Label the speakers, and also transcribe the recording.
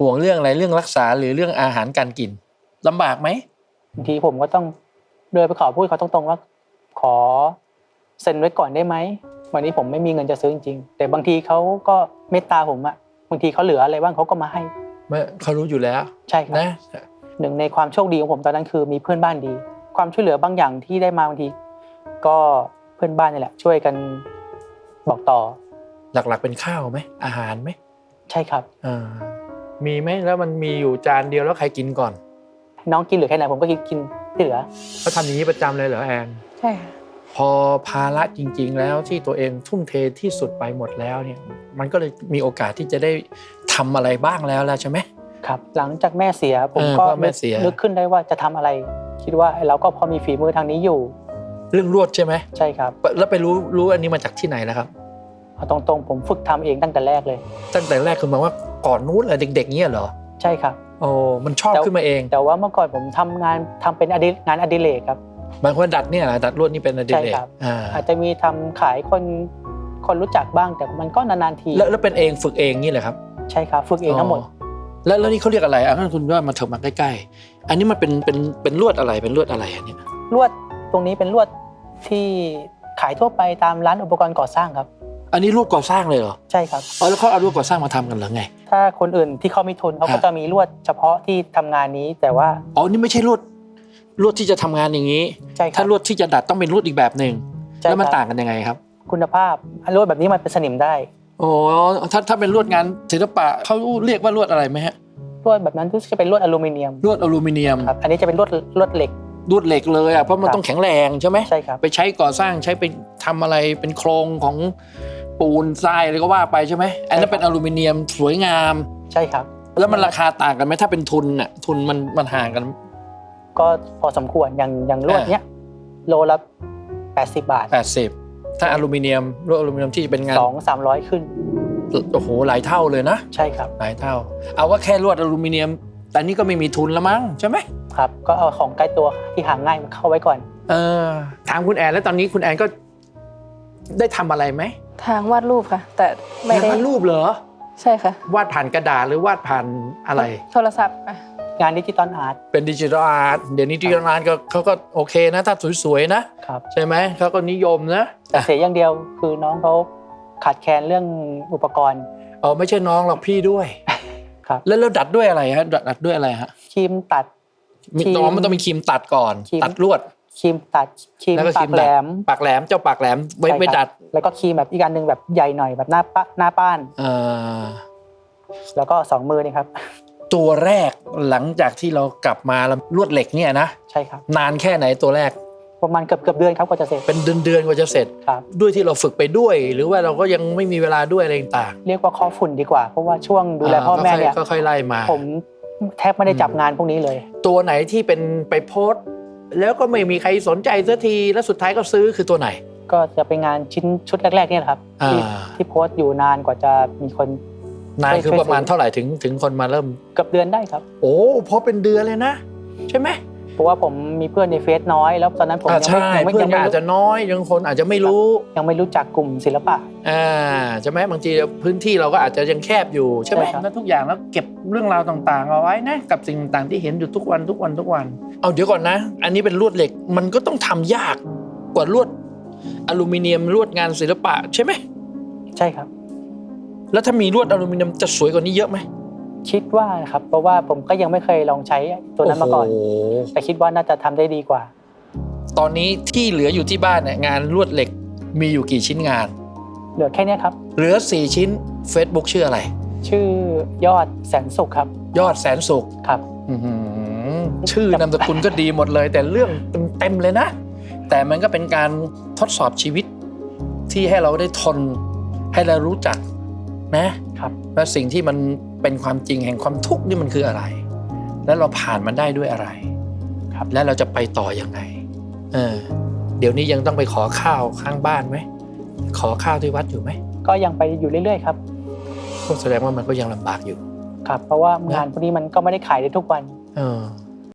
Speaker 1: ห่วงเรื่องอะไรเรื่องรักษาหรือเรื่องอาหารการกินลำบากไหม
Speaker 2: บางทีผมก็ต้องเดินไปขอพูดเขาตรงๆว่าขอเซ็นไว้ก่อนได้ไหมวันนี้ผมไม่มีเงินจะซื้อจริงๆแต่บางทีเขาก็เมตตาผมอะบางทีเขาเหลืออะไรบ้างเขาก็มาให้
Speaker 1: เขารู้อยู่แล้ว
Speaker 2: ใช่ครับนะหนึ่งในความโชคดีของผมตอนนั้นคือมีเพื่อนบ้านดีความช่วยเหลือบางอย่างที่ได้มาบางทีก็เพื่อนบ้านนี่แหละช่วยกันบอกต่อ
Speaker 1: หลักๆเป็นข้าวไหมอาหารไหม
Speaker 2: ใช่ครับ
Speaker 1: มีไหมแล้วมันมีอยู่จานเดียวแล้วใครกินก่อน
Speaker 2: น้องกินเหลือแค่ไหนผมก็กินที่เหลือ
Speaker 1: เขาทำอย่างนี้ประจำเลยเหรอแอน
Speaker 2: ใช่ค่ะ
Speaker 1: พอภาระจริงๆแล้วที่ตัวเองทุ่มเทที่สุดไปหมดแล้วเนี่ยมันก็เลยมีโอกาสที่จะได้ทำอะไรบ้างแล้วใช่ไหม
Speaker 2: ครับหลังจากแม่เสียผมก็นึกขึ้นได้ว่าจะทำอะไรคิดว่าเราก็พอมีฝีมือทางนี้อยู่
Speaker 1: เรื่องลวดใช่ไหม
Speaker 2: ใช่ครับ
Speaker 1: แล้วไปรู้อันนี้มาจากที่ไหนแล้วครับ
Speaker 2: เอาตรงๆผมฝึกทำเองตั้งแต่แรกเลย
Speaker 1: ตั้งแต่แรกคือหมายว่าก่อนนู้นเลยเด็กๆเงี้ยเหรอ
Speaker 2: ใช่ครับ
Speaker 1: โอ้มันชอบขึ้นมาเอง
Speaker 2: แต่ว่าเมื่อก่อนผมทเป็นงานอดิเรกครับ
Speaker 1: บางคนดัดเนี่ยดัดลวดนี่เป็นอดิเรก
Speaker 2: อาจจะมีทำขายคนรู้จักบ้างแต่มันก็นานๆที
Speaker 1: แล้วเป็นเองฝึกเองนี่แหละครับ
Speaker 2: ใช่ครับฝึกเองทั้งหมด
Speaker 1: แล้วนี่เขาเรียกอะไรงั้นคุณว่ามาเถอะมาใกล้ๆอันนี้มันเป็นลวดอะไรเป็นลวดอะไรอันนี้
Speaker 2: ลวดตรงนี้เป็นลวดที่ขายทั่วไปตามร้านอุปกรณ์ก่อสร้างครับ
Speaker 1: อันนี้ลวดก่อสร้างเลยเหรอ
Speaker 2: ใช่ครับ
Speaker 1: แล้วเขาเอาลวดก่อสร้างมาทำกันหรือไง
Speaker 2: ถ้าคนอื่นที่เขามีทุนเขาก็จะมีลวดเฉพาะที่ทำงานนี้แต่ว่า
Speaker 1: นี่ไม่ใช่ลวดที่จะทำงานอย่างนี้ถ้าลวดที่จะดัดต้องเป็นลวดอีกแบบนึงแล้วมันต่างกันยังไงครับ
Speaker 2: คุณภาพลวดแบบนี้มันเป็นสนิมได้
Speaker 1: ถ้าเป็นลวดงานศิลปะเขาเรียกว่าลวดอะไรไหมฮะ
Speaker 2: ลวดแบบนั้นจะเป็นลวดอลูมิเนียมครับอันนี้จะเป็นลวดเหล็ก
Speaker 1: เลยอ่ะเพราะมันต้องแข็งแรงใช่ไหม
Speaker 2: ใช่ครับ
Speaker 1: ไปใช้ก่อสร้างใช้ไปทำอะไรเป็นโครงของปูนทรายอะไรก็ว่าไปใช่ไหมอันนั้นเป็นอลูมิเนียมสวยงาม
Speaker 2: ใช่ครับ
Speaker 1: แล้วมันราคาต่างกันไหมถ้าเป็นทุนน่ะทุนมันห่างกัน
Speaker 2: ก็พอสมควรอย่างลวดเนี้ยโลละ80 บาท
Speaker 1: ถ้าอลูมิเนียมลวดอลูมิเนียมที่เป็นงาน
Speaker 2: 200-300ขึ้น
Speaker 1: โอ้โหหลายเท่าเลยนะ
Speaker 2: ใช่ครับ
Speaker 1: หลายเท่าเอาว่าแค่ลวดอลูมิเนียมแต่นี่ก็ไม่มีทุนแล้วมั้งใช่ไหม
Speaker 2: ครับก็เอาของใกล้ตัวที่หาง่ายมาเข้าไว้ก่อน
Speaker 1: ถามคุณแอนแล้วตอนนี้คุณแอนก็ได้ทำอะไรไหม
Speaker 3: ทางวาดรูปค่ะแต่ไม่ได้
Speaker 1: วาดรูปเหรอ
Speaker 3: ใช่ค่ะ
Speaker 1: วาดผ่านกระดาษหรือวาดผ่านอะไร
Speaker 3: โทรศัพท์
Speaker 2: งานดิจิตอลอาร์ต
Speaker 1: เป็นดิจิทัลอาร์ตเดี๋ยวนี้ดิจิทัลอาร์ตเขาก็โอเคนะถ้าสวยๆนะครับใช่ไหมเขาก็นิยมนะ
Speaker 2: แต่เสียอย่างเดียวคือน้องเขาขาดแคลนเรื่องอุปกรณ์
Speaker 1: ไม่ใช่น้องหรอกพี่ด้วย
Speaker 2: ครับ
Speaker 1: แล้วดัดด้วยอะไรฮะดัดด้วยอะไรฮะ
Speaker 2: ครีมตัด
Speaker 1: น้องมันต้องมีครีมตัดก่อนตัดลวด
Speaker 2: ครีมตัดครีมปากแหลม
Speaker 1: เจ้าปากแหลมไว้ดัด
Speaker 2: แล้วก็ครีมแบบอีกอันนึงแบบใหญ่หน่อยแบบหน้าป้านแล้วก็2 มือนี่ครับ
Speaker 1: ตัวแรกหลังจากที่เรากลับมาลวดเหล็กเนี่ยนะ
Speaker 2: ใช่ครับ
Speaker 1: นานแค่ไหนตัวแรก
Speaker 2: ประมาณเกือบเดือนครับกว่าจะเสร็จ
Speaker 1: เป็นเดือนกว่าจะเสร็จด้วยที่เราฝึกไปด้วยหรือว่าเราก็ยังไม่มีเวลาด้วยอะไรต่าง
Speaker 2: เรียกว่าข้อฝุ่นดีกว่าเพราะว่าช่วงดูแลพ่อแม่เนี่ย
Speaker 1: ค่อยๆไล่มา
Speaker 2: ผมแทบไม่ได้จับงานพวกนี้เลย
Speaker 1: ตัวไหนที่เป็นไปโพสแล้วก็ไม่มีใครสนใจสักทีแล้วสุดท้ายก็ซื้อคือตัวไหน
Speaker 2: ก็จะเป็นงานชุดแรกๆเนี่ยครับที่โพสอยู่นานกว่าจะมีคน
Speaker 1: นานคือประมาณเท่าไหร่ถึงคนมาเริ่ม
Speaker 2: เกือบเดือนได้ครับ
Speaker 1: เพราะเป็นเดือนเลยนะใช่ไหม
Speaker 2: เพราะว่าผมมีเพื่อนในเฟซน้อยแล้วตอนนั้นผม
Speaker 1: ยังไม่อาจจะน้อยยังคนอาจจะไม่รู้
Speaker 2: ยังไม่รู้จักกลุ่มศิลปะ
Speaker 1: ใช่ไหมบางทีพื้นที่เราก็อาจจะยังแคบอยู่ใช่ไหมแล้วทุกอย่างแล้วเก็บเรื่องราวต่างๆเอาไว้นะกับสิ่งต่างๆที่เห็นอยู่ทุกวันเดี๋ยวก่อนนะอันนี้เป็นลวดเหล็กมันก็ต้องทำยากกว่าลวดอลูมิเนียมลวดงานศิลปะใช่ไหม
Speaker 2: ใช่ครับ
Speaker 1: แล้วถ้ามีลวดอลูมิเนียมจะสวยกว่านี้เยอะไหม
Speaker 2: คิดว่าครับเพราะว่าผมก็ยังไม่เคยลองใช้ตัวนั้นมาก่อนแต่คิดว่าน่าจะทำได้ดีกว่า
Speaker 1: ตอนนี้ที่เหลืออยู่ที่บ้านเนี่ยงานลวดเหล็กมีอยู่กี่ชิ้นงาน
Speaker 2: เหลือแค่นี้ครับ
Speaker 1: เหลือ4 ชิ้น Facebook ชื่ออะไร
Speaker 2: ชื่อยอดแสนสุขครับ
Speaker 1: ยอดแสนสุข
Speaker 2: ครับ
Speaker 1: ชื่อนามสกุลก็ดีหมดเลยแต่เรื่องเต็มเลยนะแต่มันก็เป็นการทดสอบชีวิตที่ให้เราได้ทนให้เรารู้จักนะครับว่าสิ่งที่มันเป็นความจริงแห่งความทุกข์นี่มันคืออะไรแล้วเราผ่านมันได้ด้วยอะไรครับแล้วเราจะไปต่อยังไงเดี๋ยวนี้ยังต้องไปขอข้าวข้างบ้านไหมขอข้าวที่วัดอยู่ไหม
Speaker 2: ก็ยังไปอยู่เรื่อยๆครับ
Speaker 1: ก็แสดงว่ามันก็ยังลำบากอยู่
Speaker 2: ครับเพราะว่างานพวกนี้มันก็ไม่ได้ขายได้ทุกวัน